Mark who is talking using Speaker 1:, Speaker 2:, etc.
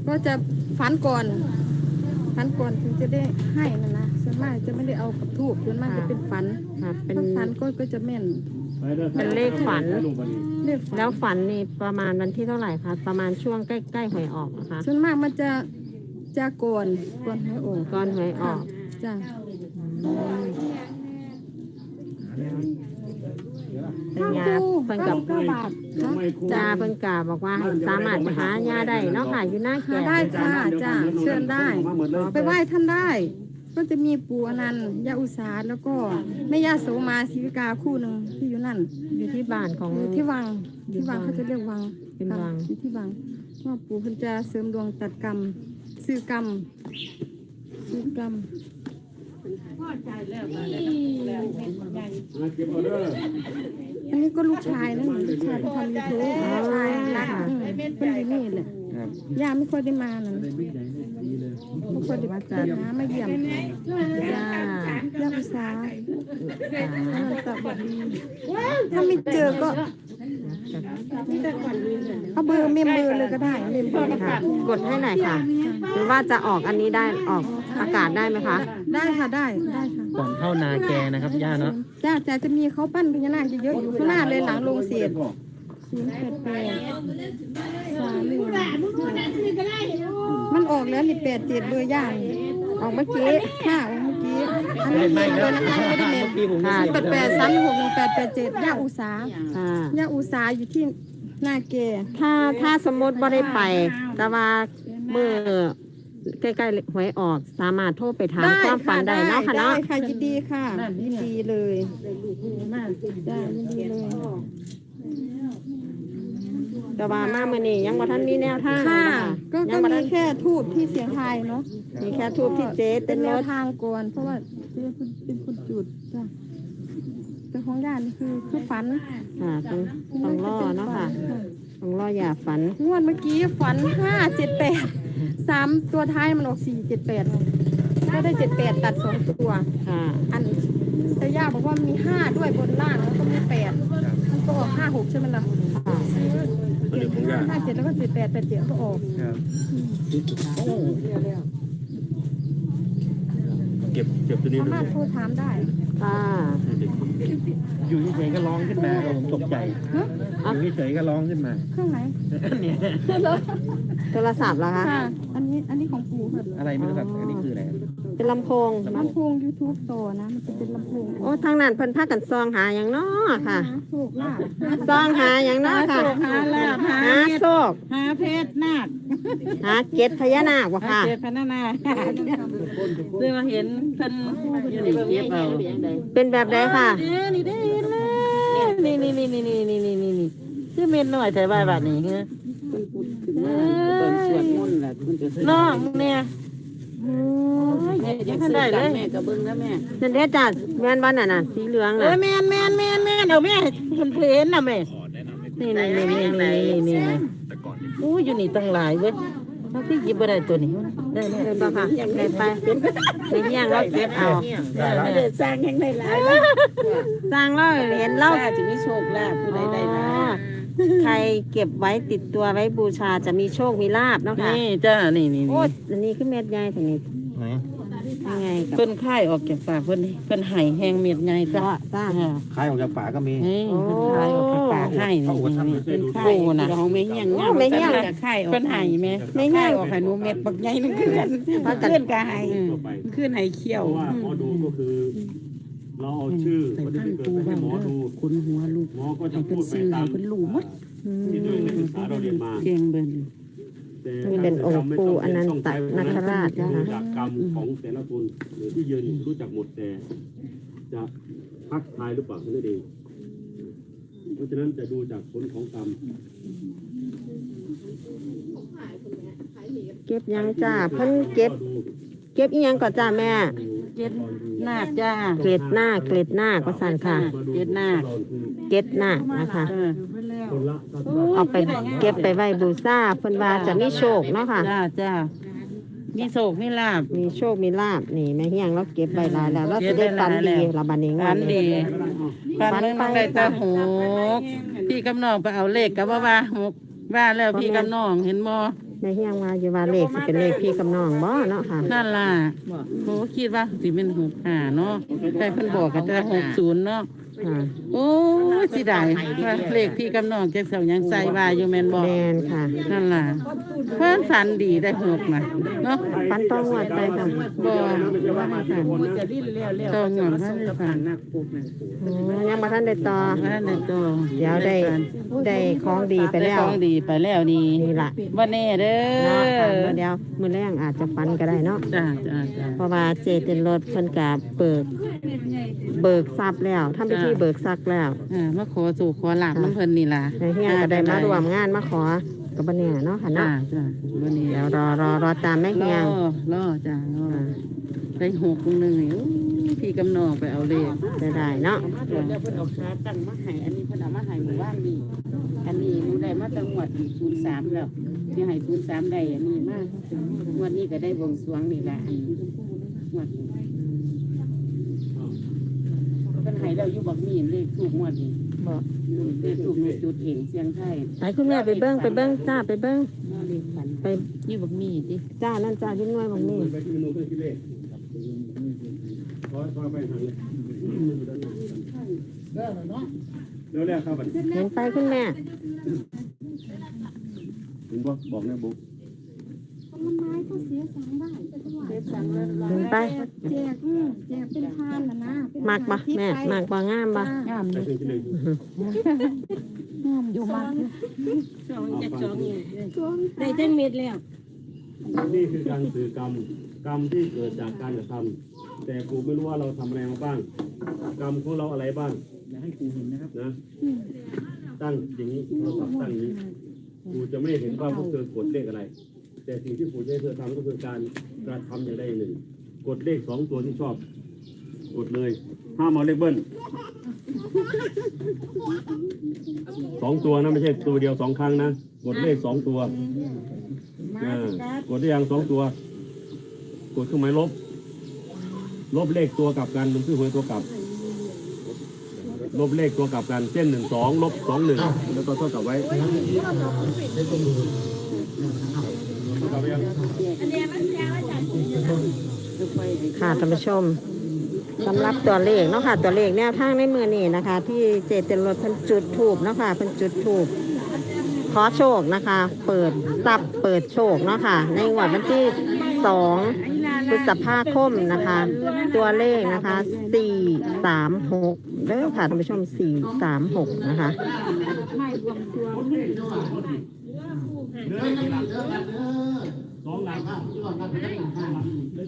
Speaker 1: ก็จะฝันก่อนถึงจะได้ให้นะส่วนมากจะไม่ได้เอากับทูบส่วนมากจะเป็นฝันเป็นฝันก็จะแม่น
Speaker 2: เป็นเลขฝัน
Speaker 1: เลขฝัน
Speaker 2: แล้วฝันนี่ประมาณวันที่เท่าไหร่คะประมาณช่วงใกล้ๆหวยออกนะคะ
Speaker 1: ส่วนมากมันจะก่อนให้ออก
Speaker 2: ก่อนหวยออก
Speaker 1: จ้ะ
Speaker 2: เป็นยาเพิ่นกับจ้าเพิ่นกาบอกว่าสามารถหายาได้เนาะค่ะอยู่หน้าแก่
Speaker 1: ได้ค่ะจ้ะเชิญได้ไปไหว้ท่านได้ก็จะมีปู่อนันต์ย่าอุษาแล้วก็แม่ย่าโสมาศิวิกาคู่หนึ่งที่อยู่นั่น
Speaker 2: อยู่ที่บ้านของ
Speaker 1: ที่วังเขาจะเรียกวัง
Speaker 2: เป็นวัง
Speaker 1: อยู่ที่วังว่าปู่เพิ่นจะเสริมดวงตัดกรรมซื้อกรรมอันนี้ก็ลูกชายนะลูกชายที่ทำยูทูบชายรักเพิ่นอยู่นี่แหละย่าไม่ค่อยได้มานั่นไม่ค่อยได้มาไม่เยี่ยมย่าอุษาตบดีถ้าไม่เจอก็เอาเบอร์เมมเบอร์เลยก็ได้เมมเบอร์
Speaker 2: ค่ะกดให้หน่อยค่ะหรือว่าจะออกอันนี้ได้ออกอากาศได้ไหมคะ
Speaker 1: ได้ค่ะได้ค่ะ
Speaker 3: ก่อนเข้านาแกนะครับย่าเนาะ
Speaker 1: จ้าจะมีเขาปั้นพญานาคเยอะอยู่ข้างหน้าเลยหลังโรงเศษมันออกแล้วนี่87เบอร์ย่างออกเมื่อกี้ค่ะออกเมื่อกี้อันนี้เมมเลยนะคะไม่ได้เมมค่ะ88361887ย่าอุษาย่าอุษาอยู่ที่หน้าเก
Speaker 2: ถ้าสมมติว่าได้ไปแต่ว่าเมื่อใกล้ๆหวยออกสามารถโทรไปถามความฝันได้เนาะค่ะเนาะ
Speaker 1: ได้ค่ะยินดีค่ะยินดีเลยจ้ายินดีเลย
Speaker 2: แต่ว่ามาเมื่อนี้ยังบ่ทันมีแนวทาง
Speaker 1: ค่ะก็มีแค่ทูบที่เสียงไทยเนาะ
Speaker 2: มีแค่ทูบที่เจ๊
Speaker 1: เป็นแนวทางก่อนเพราะว่าเจ๊เป็นคนจุดจ้ะแต่ของญาตินี่คือฝัน
Speaker 2: ค่ะต้องรอเนาะค่ะต้องรออย่าฝัน
Speaker 1: งวดเมื่อกี้ฝัน578 3ตัวท้ายมันออก478ก็ได้78ตัด2ตัว
Speaker 2: ค่ะ
Speaker 1: อันแต่ย่าบอกว่ามี5ด้วยบนล่างแล้วก็มี8มันก็ออก56ใช่ไหมล่ะ57แล้วก็78ก็ออก
Speaker 3: เก็บตัวนี้
Speaker 1: สามารถโทรถามได้
Speaker 2: ค่ะ
Speaker 3: อยู่เฉยๆก็ร้องขึ้นมาผมตกใจอยู่เฉยๆก็ร้องขึ้นมา
Speaker 1: เครื่องไหน
Speaker 3: เนี่ย
Speaker 2: โทรศัพท์เหรอคะ
Speaker 1: อันนี้ของปู่ค่ะ
Speaker 3: อะไรไม่รู้ครับอันนี้คืออะไร
Speaker 2: เป็นลำโพง
Speaker 1: YouTube โตนะมันจะเป็นลำโพง
Speaker 2: โอ้ทางนั้นเพิ่นพากันซองหาอย่างน้อค่ะซองหาอย่างน้อค่ะ
Speaker 1: หาลาบ
Speaker 2: หาโชค
Speaker 1: หาเพชรนาค
Speaker 2: หาเกศพญานาคว่ะค่ะ
Speaker 1: เกศพญานาคซื้อมาเห็นเพิ่นอยู่ในเก็บเอา
Speaker 2: เป็นแบบใดค่ะ
Speaker 1: นี่ได้เลยนี่ชื่อเม็ดหน่อยแต่ว่าบัดนี้คือตอนสวดมนต์แหละน้องเนี่ยยังได้เลยแม่กับเบิ้งนะแม่
Speaker 2: นั่นเด้จ้ะแม่นวันน่ะสีเหลืองน่ะ
Speaker 1: แม่เดี๋ยวแม่เพิ่นน่ะแม่นี่อู้อยู่นี่ตั้งหลายเว้ยเราที่หยิบบ่ได้ตัวนี้
Speaker 2: ได้บ่ค่ะได้ไปในเฮียงเราเก็บเอา
Speaker 1: ได้สร้างแห่งได้หลาย
Speaker 2: สร้างเราเห็นเรา
Speaker 1: จะมีโชคลาภผู้ใดได้ลาภ
Speaker 2: ใครเก็บไว้ติดตัวไว้บูชาจะมีโชคมีลาภเนาะค่ะ
Speaker 1: นี่จ้านี่
Speaker 2: โอ้อันนี้คือเม็ดใหญ่ถึงนี้
Speaker 3: ไหน
Speaker 2: ยังไง
Speaker 1: เพิ่นค่ายออกจากปากเพิ่นไห้แห้งเม็ดใหญ่จ้า
Speaker 3: คายออกจากปากก็มี
Speaker 1: เพิ่นค่ายออกจากปากให้นี่เป็นค่ายนะของแม่เฮียงเค่ายออกเพิ่นไห้แม่ไม่ค่ายออกให้หนูเม็ดบักใหญ่นึงคือกันเพิ่นก็ไห้ขึ้นไห้เขี้ยว
Speaker 3: ว่าหมอดูก็คือเราเอาชื่อคนที่เกิดให้หมอดู
Speaker 1: คนหัวลูก
Speaker 3: หมอก็จะพูดไปตาม
Speaker 1: เป็นลูกหมด
Speaker 3: ที่ด้วยนักศึกษาเราเรียนมา
Speaker 1: เก่งเบิ่น
Speaker 2: นี่เป็นองค์ปู่อนันตนาคราชนะคะ
Speaker 3: จากกรรมของแต่ละคนหรือที่ยืนรู้จักหมดแต่จะพักทายหรือเปล่านั่นเองเพราะฉะนั้นจะดูจากผลของกรรม
Speaker 2: เก็บยังจ้าเพิ่นเก็บอีหยังก่อนจ้าแม่
Speaker 1: เก็บหน้าจ้า
Speaker 2: เกล็ดหน้าก็สั่นค่ะ
Speaker 1: เก็บหน้า
Speaker 2: นะคะเอาไปเก็บไปไว้บูชาเพิ่นว่าจะมีโชคเนาะค่ะ
Speaker 1: จ้ามีโชคมีลาภ
Speaker 2: มีโชคมีลาภนี่แม่เฮียงเราเก็บไว้หลายแล้วเราจะได้ฝันดีละบัดนี้
Speaker 1: ฝันดีฝันได้ตาหูพี่กำนองไปเอาเลขกับว่า6ว่าแล้วพี่กำนองเห็นบ่
Speaker 2: ในเฮียงว่าอยู่ว่าเลขสิเป็นเลขพี่กับน้องบ่เนาะค่ะ
Speaker 4: นั่นล่ะโหคิดว่าสิเป็น65เนาะแต่เพิ่นบอกกันแต่60เนาะ
Speaker 2: ค่ะ
Speaker 4: โอ้ยสิได้ว่าเลขพี่กับน้องจักเซายังใส่ว่าอยู่แม่นบ่
Speaker 2: แมนค่ะ
Speaker 4: นั่นล่ะเพิ่นฝันดีได้6นะเนาะ
Speaker 2: ฟันต้องงวดไปค่ะ
Speaker 4: บ่ว่าให้ฝันต้องงวดว่าให้ฝัน
Speaker 2: ยังมาท่านได้ต่อ
Speaker 4: ว่าได้ตัว
Speaker 2: เดี๋ยวได้ของดีไป
Speaker 4: ได้
Speaker 2: แล้ว
Speaker 4: ของดีไปแล้วนี่
Speaker 2: นี่ล่ะ
Speaker 4: บ่แน่เด้
Speaker 2: เนาะค่ะ
Speaker 4: อ
Speaker 2: เดี๋ยวมื้อแรงอาจจะฟันก็ได้เนาะ
Speaker 4: จ้า
Speaker 2: เพราะว่าเจเต็นรถเพิ่นกะเบิกทรัพย์แล้วทำพิธีเบิกทรัพย์แล้ว
Speaker 4: มาขอสู่ขอหลับน้ำเพิ่นนี่ล่ะ
Speaker 2: ในเฮียก็ได้มารวมงานมาขอกับบ่เนี่ยเนาะค่ะ
Speaker 4: จ้า
Speaker 2: เนาะ
Speaker 4: บ่แน่
Speaker 2: เดี๋ยวรอตามแม่เฮียง
Speaker 4: รอจ้ารอได้6นึงนี่พี่กำนองไปเอาเลข
Speaker 2: จะได้เนาะ
Speaker 4: แล้วเพิ่นเอาขาตั้งมาให้อันนี้เพิ่นเอามาให้หมู่บ้านนี่อันนี้หนูได้มาตั้งงวด03แล้วที่ให้03ได้อันนี้มางวดนี้ก็ได้บวงสรวงนี่ล่ะอันงวดนี้เพิ่นให้แล้วอยู่บักมีเลขถูกงวดนี้บ่เลขถูกจุดเองเสียงไทย
Speaker 2: ไปคุณแม่ไปเบิ้งจ้าไปเบิ้ง
Speaker 4: เลขฝัน
Speaker 2: ไป
Speaker 4: อยู่บักมีติ
Speaker 2: จ้านั่นจ้าที่น้อยบางนี่
Speaker 3: ไปที่เมนูเครื่องคิดเลขร้อยไปทางนี้เร็วๆครับบัดนี้
Speaker 2: เห็นไปคุณแม่
Speaker 3: ถึงบอกนะบุ๊ก
Speaker 2: เห็นไป
Speaker 1: แจกเป็นทานนะนะเป็น
Speaker 2: มักบ่แม่มักบ่งามบ่
Speaker 4: งาม
Speaker 3: ไป
Speaker 4: อยู่
Speaker 3: เครื่องคิดเลข
Speaker 1: อยู่มาก
Speaker 4: ช่องจักช่องนี่
Speaker 1: ได้เต้นเม็ดแล้ว
Speaker 3: นี่คือการสื่อกรรมที่เกิดจากการกระทำแต่ครูไม่รู้ว่าเราทำอะไรมาบ้าง กรรมของเราอะไรบ้างอยากให้ครูเห็นนะครับนะตั้งอย่างนี้เราสับตั้งอย่างนี้ครูจะไม่เห็นว่าพวกเธอกดเลขอะไร แต่สิ่งที่ครูจะให้เธอทำก็คือการกระทำอย่างใดอย่างหนึ่ง กดเลข2 ตัวที่ชอบ กดเลยห้ามเอาเลขเบิ้ล2 ตัวนะไม่ใช่ตัวเดียว2 ครั้งนะกดเลข2 ตัวกดได้ยัง2 ตัว กดเครื่องหมายลบเลขตัวกลับกันมันคือหวยตัวกลับ ลบเลขตัวกลับกันเช่น1 2 ลบ 2 1แล้วก็เท่ากับไว้กลับไปยัง
Speaker 2: ค่ะท่านผู้ชมสำหรับตัวเลขเนาะค่ะตัวเลขแนวทางในมือนี่นะคะ ที่เจเต็นรถเพิ่นจุดถูกเนาะค่ะเพิ่นจุดถูกขอโชคนะคะ เปิดทรัพย์เปิดโชคเนาะค่ะในงวดวันที่2พฤษภาคมนะคะ ตัวเลขนะคะ436เด้อค่ะท่านผู้ชม436นะคะ
Speaker 3: 2 หลัง